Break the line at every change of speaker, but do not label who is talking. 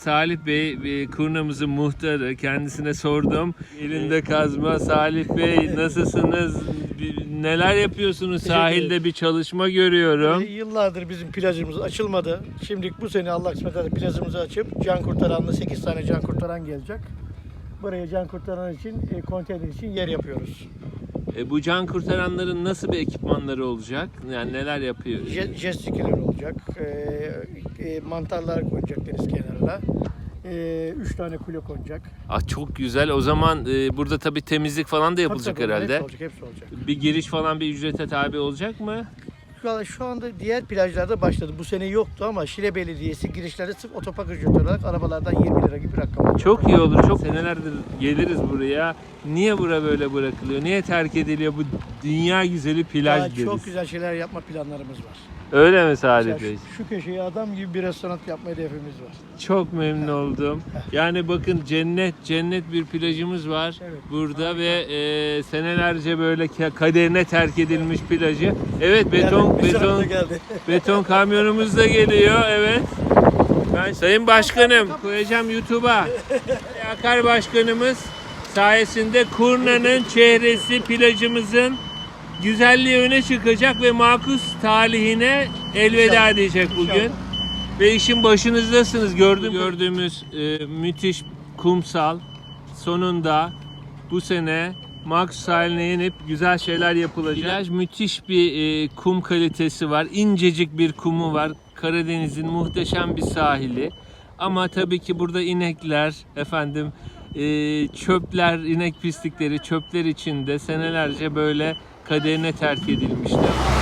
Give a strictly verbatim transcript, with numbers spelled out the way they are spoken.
Salih Bey, Kurnamızın muhtarı. Kendisine sordum. Elinde kazma. Salih Bey nasılsınız? Neler yapıyorsunuz? Sahilde bir çalışma görüyorum.
E, yıllardır bizim plajımız açılmadı. Şimdi bu sene Allah kısmet ederse plajımızı açıp can kurtaranlı sekiz tane can kurtaran gelecek. Buraya can kurtaran için, e, konteyner için yer yapıyoruz.
E, bu can kurtaranların nasıl bir ekipmanları olacak? Yani neler yapıyor?
Jet, jet skiler olacak. E, e, mantarlar konacak deniz kenarına. E, üç tane kule konacak.
Ah, çok güzel. O zaman e, burada tabii temizlik falan da yapılacak
Tabii, tabii,
herhalde.
Hepsi olacak, hepsi olacak.
Bir giriş falan bir ücrete tabi olacak mı?
Şu anda, şu anda diğer plajlarda başladı. Bu sene yoktu ama Şile Belediyesi girişlerde sırf otopark ücreti olarak arabalardan yirmi lira gibi bir rakam alıyor.
Çok iyi olur. Çok senelerdir geliriz buraya. Niye bura böyle bırakılıyor? Niye terk ediliyor bu dünya güzeli plaj
Daha
deriz?
çok güzel şeyler yapma planlarımız var.
Öyle mi Salih
Mesela
Bey?
şu, şu köşeye adam gibi bir restoran yapma hedefimiz var.
Çok memnun oldum. Yani bakın cennet cennet bir plajımız var
Evet,
burada
harika.
ve e, senelerce böyle ka- kaderine terk edilmiş plajı. Evet, beton
Yani bir
beton
sonunda geldi.
beton kamyonumuz da geliyor. Evet. Ben Sayın Başkanım koyacağım YouTube'a. Akar Başkanımız sayesinde Kurna'nın çehresi plajımızın güzelliği öne çıkacak ve makus talihine elveda
İnşallah.
diyecek bugün.
İnşallah.
Ve işin başınızdasınız. Gördüğüm, gördüğümüz e, müthiş kumsal sonunda bu sene makus sahiline yenip güzel şeyler yapılacak. Plaj müthiş bir e, kum kalitesi var. İncecik bir kumu var. Karadeniz'in muhteşem bir sahili. Ama tabii ki burada inekler, efendim e, çöpler, inek pislikleri, çöpler içinde senelerce böyle kaderine terk edilmişler.